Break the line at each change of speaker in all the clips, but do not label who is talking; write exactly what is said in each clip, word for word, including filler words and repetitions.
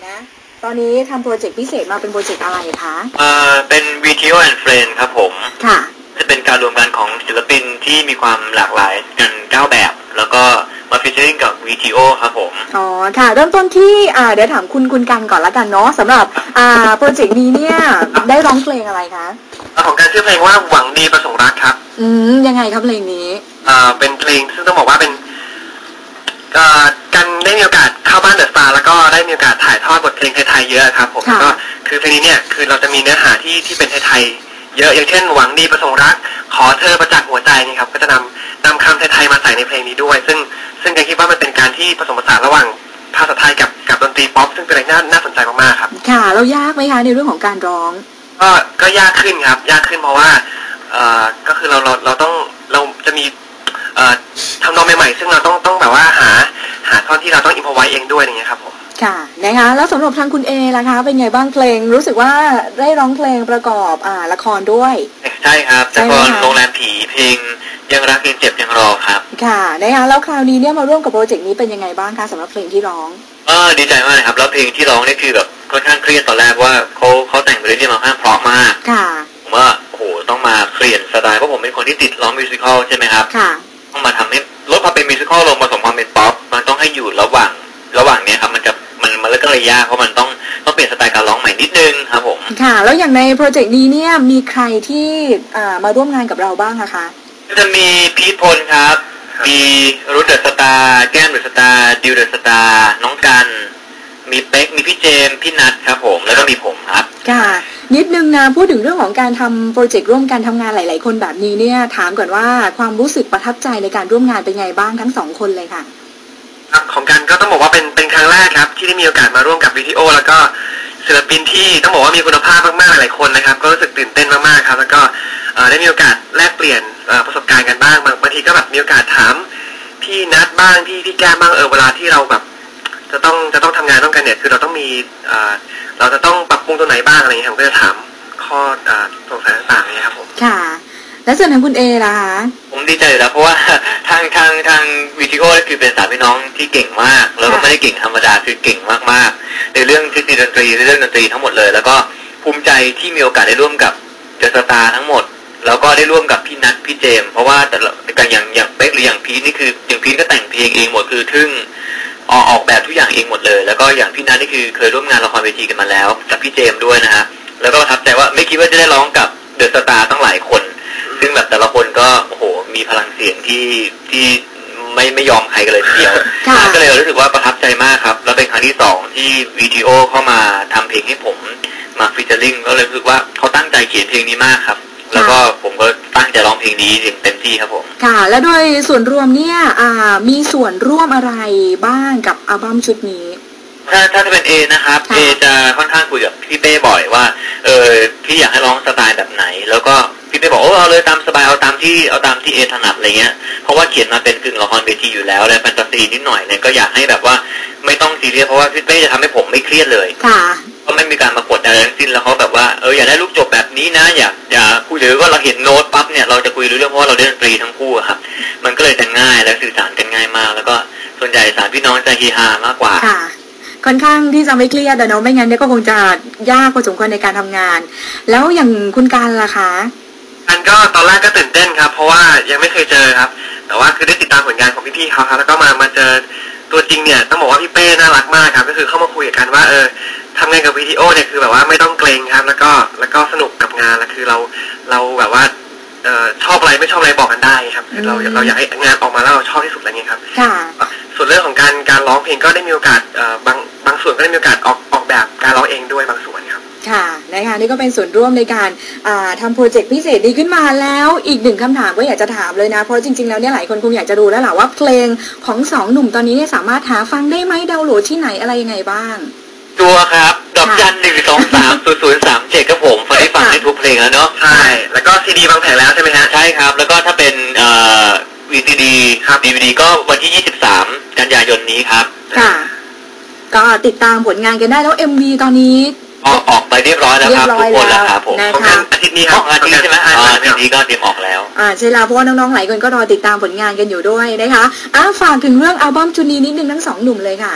นะตอนนี้ทำโปรเจกต์พิเศษมาเป็นโปรเจกต์อะไรคะ
เอ่อเป็น วี ที โอ and Friends ครับผม
ค่ะ
จะเป็นการรวมกันของศิลปินที่มีความหลากหลายกันเก้าแบบแล้วก็มาฟีเจอริ่งกับ วี ที โอ ครับผม
อ๋อค่ะเริ่มต้นที่อ่าเดี๋ยวถามคุณคุณกันก่อนละกันเนาะสำหรับอ่าโปรเจกต์นี้เนี่ยได้ร้องเพลงอะไรคะ
ของการชื่อเพลงว่าหวังดีประสงค์รักครับ
อืมยังไงครับเพลงนี้
อ่าเป็นเพลงซึ่งต้องบอกว่าเป็นอ่ากันได้มีโอกาสเข้าบ้านเดอะสตาร์แล้วก็ได้มีโอกาสถ่ายทอดบทเพลงไทยๆเยอะครับผมก็คือเพลงนี้เนี่ยคือเราจะมีเนื้อหาที่ที่เป็นไทยๆเยอะอย่างเช่นหวังดีประสงค์รักขอเธอประจักษ์หัวใจนี่ครับก็จะนำนำคำไทยๆมาใส่ในเพลงนี้ด้วยซึ่งซึ่งกันคิดว่ามันเป็นการที่ผสมผสานระหว่างภาษาไทยกับกับดนตรีป๊อปซึ่งเป็นอะไรน่าน่าสนใจมากๆครับ
ค่ะเรายากไหมคะในเรื่องของการร้อง
ก็ก็ยากขึ้นครับยากขึ้นเพราะว่าเอ่อก็คือเราเราเราต้องเราจะมีเอ่อทำนองใหม่ๆซึ่งเราต้องต้องแบบว่าหาหาท่อนที่เราต้องอิมพอไว้เองด้วยอย่างเงี้ยครับผม
ค่ะนะคะแล้วสำหรับทางคุณเอล่ะคะเป็นไงบ้างเพลงรู้สึกว่าได้ร้องเพลงประกอบอ่าละครด้วย
ใช่ครับละครโรงแรมผีเพลงยังรักยังเจ็บยังรอครับ
ค่ะนะคะแล้วคราวนี้เนี่ยมาร่วมกับโปรเจกต์นี้เป็นยังไงบ้างคะสำหรับเพลงที่ร้อง
เออดีใจมากเลยครับแล้วเพลงที่ร้องนี่คือแบบค่อนข้างเครียดตอนแรกว่าเขาเขาแต่งไปเรื่อยๆมาค่อนข้างเพราะมาก
ค่ะ
ผมว่าโอ้โหต้องมาเปลี่ยนสไตล์เพราะผมเป็นคนที่ติดร้องมิวสิควลใช่ไหมครับ
ค่ะ
ต้องมาทำให้ลดความเป็นมิวสิควลลงผสมความเป็นป๊อปมันต้องให้อยู่ระหว่างระหว่างเนี้ยครับมันจะมันมันก็เลยยากเพราะมันต้องต้องเปลี่ยนสไตล์การร้องใหม่นิดนึงครับผม
ค่ะแล้วอย่างในโปรเจกต์นี้เนี่ยมีใครที่อ่ามาร่วมงานกับเราบ้างคะ
ก็จะมีพีทพลครับมีรุ่นเดอะสตาร์แก้มเดอะสตาร์ดิวเดอะสตาร์น้องกันมีเป๊กมีพี่เจมพี่นัทครับผมแล้วก็มีผมครับ
ค่ะนิดนึงนะพูดถึงเรื่องของการทำโปรเจกต์ร่วมกันทำงานหลายๆคนแบบนี้เนี่ยถามก่อนว่าความรู้สึกประทับใจในการร่วมงานเป็นไงบ้างทั้งสองคนเลยค่ะ
ครับของกันก็ต้องบอกว่าเป็นเป็นครั้งแรกครับที่ได้มีโอกาสมาร่วมกับวิดีโอแล้วก็ศิลปินที่ต้องบอกว่ามีคุณภาพมากๆหลายคนนะครับก็รู้สึกตื่นเต้นมากๆครับแล้วก็ได้มีโอกาสแลกเปลี่ยนประสบการณ์กันบ้างบางทีก็แบบมีโอกาสถามพี่นัทบ้างพี่พี่แก้มบ้างเออเวลาที่เราแบบจะต้องจะต้องทำงานร่วมกันเนี่ยคือเราต้องมีเราจะต้องปรับปรุงตัวไหนบ้างอะไรอย่างเงี้ยผมก็จะถามข้อสงสัยต่างๆเนี่ยครับผม
ค่ะและส่วนทางคุณเอล่ะคะ
ผมดีใจอยู่แล้วเพราะว่าทางทางทางวิดีโอคือเป็นสามพี่น้องที่เก่งมากแล้วก็ไม่ได้เก่งธรรมดาคือเก่งมากๆในเรื่องเทคนิคดนตรีในเรื่องดนตรีทั้งหมดเลยแล้วก็ภูมิใจที่มีโอกาสได้ร่วมกับเดอะสตาร์ทั้งหมดแล้วก็ได้ร่วมกับพี่นัทพี่เจมเพราะว่าแต่ละอย่างอย่างเป๊กหรืออย่างพีทนี่คืออย่างพีทก็แต่งเพลงเองหมดคือทึ่งออกออกแบบทุกอย่างเองหมดเลยแล้วก็อย่างพี่นัทนี่คือเคยร่วมงานละครเวทีกันมาแล้วกับพี่เจมด้วยนะฮะแล้วก็ประทับใจว่าไม่คิดว่าจะได้ร้องกับเดอะสตาร์ตั้งหลายคนซึ่งแบบแต่ละคนก็โอ้โหมีพลังเสียงที่ที่ไม่ไม่ยอมใครกันเลยทีเดียวก็เลยรู้สึกว่าประทับใจมากครับแล้วเป็นครั้งที่สองที่วีทีโอเข้ามาทำเพลงให้ผมมาฟีเจอริ่งก็เลยรู้สึกว่าเขาตั้งใจเขียนเพลงนี้มากครับแล้วก็ผมก็ตั้งใจร้องเพลงนี้เต็มที่ครับผม
ค่ะและโดยส่วนรวมเนี่ยอ่ามีส่วนร่วมอะไรบ้างกับอัลบั้มชุดนี้
ถ้าถ้าจะเป็นเอนะครับเอจะค่อนข้างคุยกับพี่เป้บ่อยว่าเออพี่อยากให้ร้องสไตล์แบบไหนแล้วก็พี่เป้บอกโอ้เอาเลยตามสบายเอาตามที่เอาตามที่เอถนัดอะไรเงี้ยเพราะว่าเขียนมาเป็นกึ่งละครเวทีอยู่แล้วและแฟนตาซีนิดหน่อยเนี่ยก็อยากให้แบบว่าไม่ต้องซีเรียสเพราะว่าพี่เป้จะทำให้ผมไม่เครียดเลย
ค่ะ
ก็ไม่มีการมากดอะไรทั้งสิ้นแล้วเขาแบบว่าเอออยากได้ลูกจบแบบนี้นะอยากอยากคุยหรือว่าเราเห็นโน้ตปั๊บเนี่ยเราจะคุยรู้เรื่องเพราะว่าเราเล่นดนตรีทั้งคู่ครับมันก็เลยจะง่ายและสื่อสารกันง่ายมากแล้วก็ส่วนใหญ่สามพี่น้องจะเฮฮามากกว่า
ค่อนข้างที่จะไม่เครียดแต่เนาะไม่งั้นเนี่ยก็คงจะยากพอสมควรในการทำงานแล้วอย่างคุณการล่ะคะ
การก็ตอนแรกก็ตื่นเต้นครับเพราะว่ายังไม่เคยเจอครับแต่ว่าคือได้ติดตามผลงานของพี่ๆเขาครับแล้วก็มามาเจอตัวจริงเนี่ยต้องบอกว่าพี่เป้น่ารักมากครับก็คือเข้ามาคุยกันว่าเออทำงานกับวิดีโอเนี่ยคือแบบว่าไม่ต้องเกรงครับแล้วก็แล้วก็สนุกกับงานแล้วคือเราเราแบบว่าเอ่อชอบอะไรไม่ชอบอะไรบอกกันได้ครับคือเราเราอยากให้งานออกมาแล้วเราชอบที่สุดอะไรเงี้ยครับส่วนเรื่องของการการร้องเพลงก็ได้มีโอกาสเอ่อบางบางส่วนก็ได้มีโอกาสออกออกแบบการร้องเองด้วยบางส่วนครับ
ค่ะนะคะนี่ก็เป็นส่วนร่วมในการทำโปรเจกต์พิเศษดีขึ้นมาแล้วอีกหนึ่งคำถามก็อยากจะถามเลยนะเพราะจริงๆแล้วเนี่ยหลายคนคงอยากจะรู้แล้วแหละว่าเพลงของสองหนุ่มตอนนี้เนี่ยสามารถหาฟังได้ไหมดาวน์โหลดที่ไหนอะไรยังไงบ้าง
ตัวครับดอกจันหนึ่งสองสามศูนย์ศูนย์สามเจ็ดครับผมฟังได้ฟังได้ทุกเพลงแล้วเนาะใช่แล้วก็ซีดีบางแผงแล้วใช่ไหมฮะใช่ครับแล้วก็ถ้าเป็นเอ่อวีซีดีครับดีวีดีก็วันที่ยี่สิบสามกันยายนนี้ครับ
ค่ะก็ติดตามผลงานกันได้แล้ว เอ็ม วี ตอนนี้
ออกออกไปเรียบร้อยแล้วครับทุกคนแล้วครับผม
นะคะ
อาทิตย์นี้ครับอาทิตย์ใช่ไหมอาทิตย์นี้ก็เตรียมออกแล้ว
อ่าใช่แล้วเพราะว่าน้องๆหลายคนก็รอติดตามผลงานกันอยู่ด้วยนะคะอ่ะฝากถึงเรื่องอัลบั้มชุดนี้นิดนึงทั้งสองหนุ่มเลยค่ะ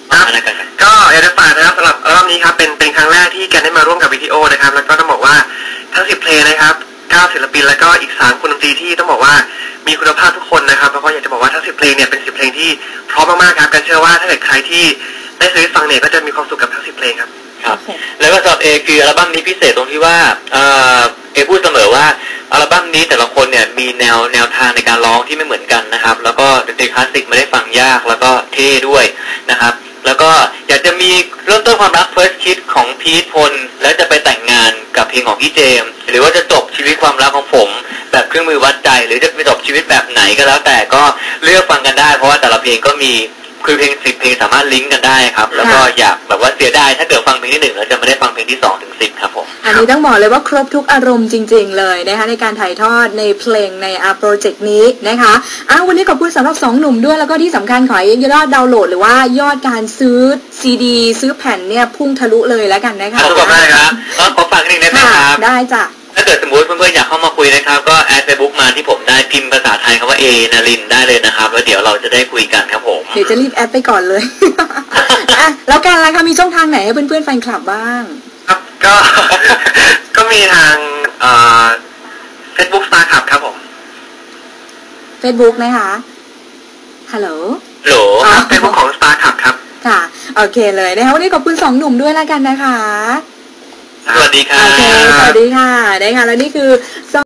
ครับนะครับ
ก็อยากจะฝากนะครับสำหรับอัลบั้มนี้ครับเป็นเป็นครั้งแรกที่แกได้มาร่วมกับวิดีโอนะครับแล้วก็ต้องบอกว่าทั้งสิบเพลงนะครับเก้าศิลปินแล้วก็อีกสามคนดนตรีที่ต้องบอกว่ามีคุณภาพทุกคนนะครับแล้วก็อยากจะบอกว่าทั้งสิบเพลงเนี่ยเป็นสิบเพลงที่พร้อมมากๆครับกันเชื่อว่าถ้าเกิดใครที่ได้ซื้อฟังเนี่ยก็จะมีความสุขกับทั้งสิบเพลงครับ
ครับแล้วก็สำหรับเอคืออัลบั้มนี้พิเศษตรงที่ว่าเออเอพูดเสมอว่าอัลบั้มนี้แต่ละคนเนี่ยมีแนวแนวทางในการร้องที่ไม่เหมือนกันนะครับแล้วก็ดนตรีคลาสสิกไม่ได้ฟังยากแล้วก็เท่ด้วยนะครับแล้วก็อยากจะมีเริ่มต้นความรัก First Kiss ของพีทพลแล้วจะไปแต่งงานกับเพลงของพี่เจมส์หรือว่าจะจบชีวิตความรักของผมแบบเครื่องมือวัดใจหรือจะไปจบชีวิตแบบไหนก็แล้วแต่ก็เลือกฟังกันได้เพราะว่าแต่ละเพลงก็มีคือเพลงสิบเพลงสามารถลิงก์กันได้ครับแล้วก็อยากแบบว่าเสียดายถ้าเกิดฟังเพลงที่หนึ่งแล้วจะไม่ได้ฟังเพลงที่สองถึงสิบครับผม
อันนี้ต้องบอกเลยว่าครบทุกอารมณ์จริงๆเลยนะคะในการถ่ายทอดในเพลงในอาร์โปรเจกต์นี้นะคะอ้าววันนี้ขอบคุณสำหรับสองหนุ่มด้วยแล้วก็ที่สำคัญขอให้ยอดดาวน์โหลดหรือว่ายอดการซื้อซีดีซื้อแผ่นเนี่ยพุ่งทะลุเลยแล้วกันนะคะ
ขอบคุณมากครับแล้วขอฝากนิดนึงนะครับ
ได้จ้ะ
ถ้าเกิดสมมติเพื่อนๆอยากเข้ามาคุยนะครับก็แอดเฟซบุ๊กมาที่ผมได้พิมพ์ภาษาไทยคำว่าเอนารินได้เลยนะครับแล้วเดี๋ยวเราจะได้คุยกันครับผม
เดี๋ยวจะรีบแอดไปก่อนเลยอ่ะแล้วการอะไรคะมีช่องทางไหนให้เพื่อนๆแฟนคลับบ้าง
ครับก็ก็มีทางเอ่อ Facebook Star Club ครับผม
Facebook นะคะฮัลโหล
ฮัลโหล
ครับ Facebook ของ Star Club ครับ
ค่ะโอเคเลยนะคะวันนี้ขอบคุณสองหนุ่มด้วยแล้วกันนะคะ
สวัสดีค่ะ
โอเคสวัสดีค่ะนะคะแล้วนี่คือ